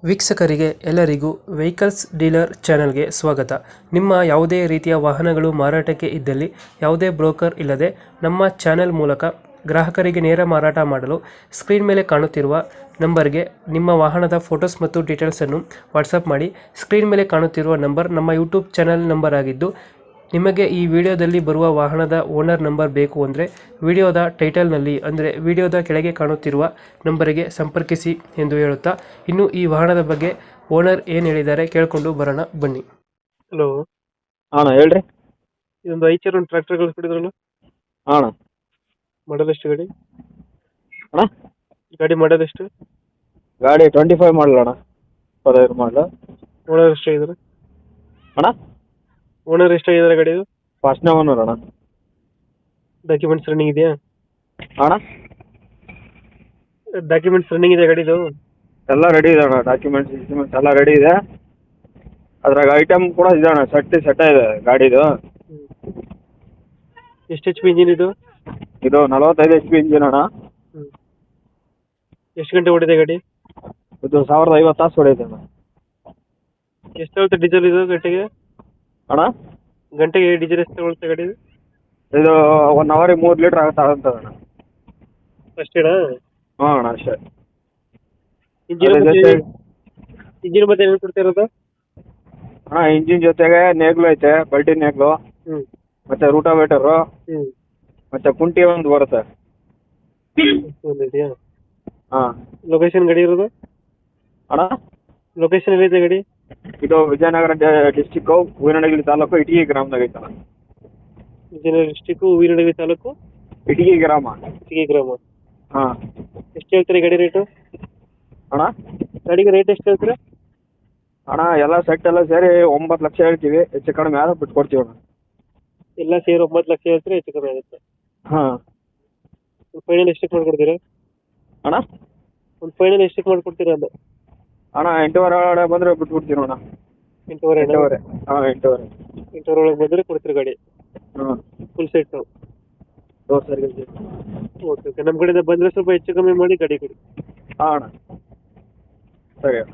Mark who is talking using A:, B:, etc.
A: ವೀಕ್ಷಕರಿಗೆ ಎಲ್ಲರಿಗೂ vehicles dealer ಚಾನೆಲ್ಗೆ ಸ್ವಾಗತ. ನಿಮ್ಮ ಯಾವುದೇ ರೀತಿಯ ವಾಹನಗಳು ಮಾರಾಟಕ್ಕೆ ಇದ್ದಲ್ಲಿ ಯಾವುದೇ ಬ್ರೋಕರ್ ಇಲ್ಲದೆ ನಮ್ಮ ಚಾನೆಲ್ ಮೂಲಕ ಗ್ರಾಹಕರಿಗೆ ನೇರ ಮಾರಾಟ ಮಾಡಲು ಸ್ಕ್ರೀನ್ ಮೇಲೆ ಕಾಣುತ್ತಿರುವ ನಂಬರ್ಗೆ ನಿಮ್ಮ ವಾಹನದ ಫೋಟೋಸ್ ಮತ್ತು ಡೀಟೇಲ್ಸನ್ನು ವಾಟ್ಸಪ್ ಮಾಡಿ. ಸ್ಕ್ರೀನ್ ಮೇಲೆ ಕಾಣುತ್ತಿರುವ ನಂಬರ್ ನಮ್ಮ ಯೂಟ್ಯೂಬ್ ಚಾನೆಲ್ ನಂಬರ್ ಆಗಿದ್ದು, ನಿಮಗೆ ಈ ವಿಡಿಯೋದಲ್ಲಿ ಬರುವ ವಾಹನದ ಓನರ್ ನಂಬರ್ ಬೇಕು ಅಂದರೆ ವಿಡಿಯೋದ ಟೈಟಲ್ನಲ್ಲಿ ಅಂದರೆ ವಿಡಿಯೋದ ಕೆಳಗೆ ಕಾಣುತ್ತಿರುವ ನಂಬರಿಗೆ ಸಂಪರ್ಕಿಸಿ ಎಂದು ಹೇಳುತ್ತಾ, ಇನ್ನು ಈ ವಾಹನದ ಬಗ್ಗೆ ಓನರ್ ಏನು ಹೇಳಿದ್ದಾರೆ ಕೇಳಿಕೊಂಡು ಬರೋಣ ಬನ್ನಿ. ಹಲೋ
B: ಅಣ್ಣ ಹೇಳ್ರಿ.
A: ಇದೊಂದು ಐಚರ್ ಒಂದು ಟ್ರ್ಯಾಕ್ಟರ್ ಕಳಿಸ್ಬಿಟ್ಟಿದ್ರಲ್ಲ,
B: ಅಣ್ಣ
A: ಮಾಡಲ್ ಎಷ್ಟು ಗಾಡಿ?
B: ಅಣ್ಣ
A: ಗಾಡಿ ಮಾಡಲ್ ಎಷ್ಟು?
B: ಗಾಡಿ 25 ಮಾಡಲ ಅಣ್ಣ, 25 ಮಾಡಲ.
A: ಓನರ್ ಎಷ್ಟಾಗಿದ್ದಾರೆ?
B: ಅಣ್ಣ
A: ಓನರ್ ಎಷ್ಟಾಗಿದ್ದಾರೆ ಗಾಡಿದು?
B: ಫಸ್ಟ್ನೇ ಓನರ್ ಅಣ್ಣ.
A: ಡಾಕ್ಯುಮೆಂಟ್ಸ್ ರನ್ನಿಂಗ್ ಇದೆಯಾ?
B: ಅಣ್ಣ
A: ಡಾಕ್ಯುಮೆಂಟ್ಸ್ ರನ್ನಿಂಗ್ ಇದೆ ಗಾಡಿದು?
B: ಎಲ್ಲ ರೆಡಿ ಇದೆ ಅಣ್ಣ, ಡಾಕ್ಯುಮೆಂಟ್ಸ್ ಎಲ್ಲ ರೆಡಿ ಇದೆ. ಅದ್ರಾಗ ಐಟಮ್ ಕೂಡ ಇದೆ ಅಣ್ಣ, ಸೆಟ್ ಇದೆ ಗಾಡಿದು.
A: ಎಷ್ಟು ಎಚ್ ಪಿ ಇಂಜಿನ್ ಇದು?
B: ಇದು 45 HP ಇಂಜಿನ್ ಅಣ್ಣ.
A: ಎಷ್ಟು ಗಂಟೆ ಓಡಿದೆ ಗಾಡಿ?
B: ಇದು 1050 ತಾಸು ಹೊಡೆಯುತ್ತೆ ಅಣ್ಣ.
A: ಎಷ್ಟು ತಗೊಳುತ್ತೆ ಡೀಸೆಲ್ ಇದು ಗಂಟೆಗೆ?
B: ಅಣ್ಣ
A: ಗಂಟೆಗೆ ಡೀಸೆಲ್ ಎಷ್ಟು ತಗೊಳುತ್ತೆ ಗಾಡಿ?
B: ಇದು 1 ಅವರಿಗೆ 3 ಲೀಟ್ರ್ ಆಗುತ್ತದೆ ಅಣ್ಣ.
A: ಅಷ್ಟೇನಾ?
B: ಹಾಂ ಅಣ್ಣ ಅಷ್ಟೇ.
A: ಇಂಜಿನ್ ಮತ್ತೆ ಏನು ಕೊಡ್ತಾ ಇರೋದು?
B: ಅಣ್ಣ ಇಂಜಿನ್ ಜೊತೆಗೆ ನೇಗ್ಲು ಐತೆ, ಬಲ್ಟಿ ನೇಗ್ಲು, ಮತ್ತೆ ರೂಟಾವೇಟರು, ಮತ್ತೆ ಕುಂಟಿ ಒಂದು ಬರುತ್ತೆ.
A: ಇದೆಯಾ?
B: ಹಾಂ.
A: ಲೊಕೇಶನ್ ಗಾಡಿ ಇರೋದು?
B: ಅಣ್ಣ
A: ಲೊಕೇಶನ್ ಎಲ್ಲಿದೆ ಗಾಡಿ?
B: ಇದು ವಿಜಯನಗರ ಡಿಸ್ಟಿಕ್, ಹೂವಿನಡಗಲಿ ತಾಲೂಕು, ಇಟಗಿ ಗ್ರಾಮದಾಗ ಐತಣ್ಣ.
A: ವಿಜಯನಗರ ಡಿಸ್ಟಿಕ್, ಹೂವಿನಡಗಲಿ ತಾಲೂಕು,
B: ಇಟಗಿ ಗ್ರಾಮ.
A: ಇಟಗಿ ಗ್ರಾಮ.
B: ಹಾಂ.
A: ಎಷ್ಟು ಹೇಳ್ತೀರಿ ಗಾಡಿ ರೇಟು?
B: ಅಣ್ಣ
A: ಗಾಡಿಗೆ ರೇಟ್ ಎಷ್ಟು ಹೇಳ್ತೀರಾ?
B: ಅಣ್ಣ ಎಲ್ಲ ಸೆಟ್ ಎಲ್ಲ ಸೇರಿ 9 ಲಕ್ಷ ಹೇಳ್ತೀವಿ, ಹೆಚ್ಚು ಕಡಿಮೆ ಆದ್ರೆ ಬಿಟ್ಕೊಡ್ತೀವಿ ಅಣ್ಣ.
A: ಎಲ್ಲ ಸೇರಿ 9 ಲಕ್ಷ ಹೇಳ್ತೀರಾ, ಹೆಚ್ಚು ಕಮ್ಮಿ ಆಗುತ್ತೆ?
B: ಹಾಂ.
A: ಒಂದು ಫೈನಲ್ ಎಷ್ಟಕ್ಕೆ ಮಾಡ್ಕೊಡ್ತೀರಾ
B: ಅಣ್ಣ?
A: ಒಂದು ಫೈನಲ್ ಎಷ್ಟಕ್ಕೆ ಮಾಡ್ಕೊಡ್ತೀರಾ ಅದು?
B: ಅಣ್ಣ 8:15 ಒಳಗಡೆ ಬಂದರೆ ಬಿಟ್ಬಿಡ್ತೀವಿ ಅಣ್ಣ.
A: 8:15?
B: ಹಾಂ 8:15.
A: 8:15 ಒಳಗೆ ಬಂದರೆ ಕೊಡ್ತೀರಿ ಗಾಡಿ?
B: ಹಾಂ
A: ಫುಲ್ ಸೆಟ್ಟು?
B: ಸರಿ.
A: ಓಕೆ ಓಕೆ, ನಮ್ಮ ಕಡೆಯಿಂದ ಬಂದರೆ ಸ್ವಲ್ಪ ಹೆಚ್ಚು ಕಮ್ಮಿ ಮಾಡಿ ಗಾಡಿ ಕೊಡಿ.
B: ಹಾಂ ಅಣ್ಣ ಸರಿ.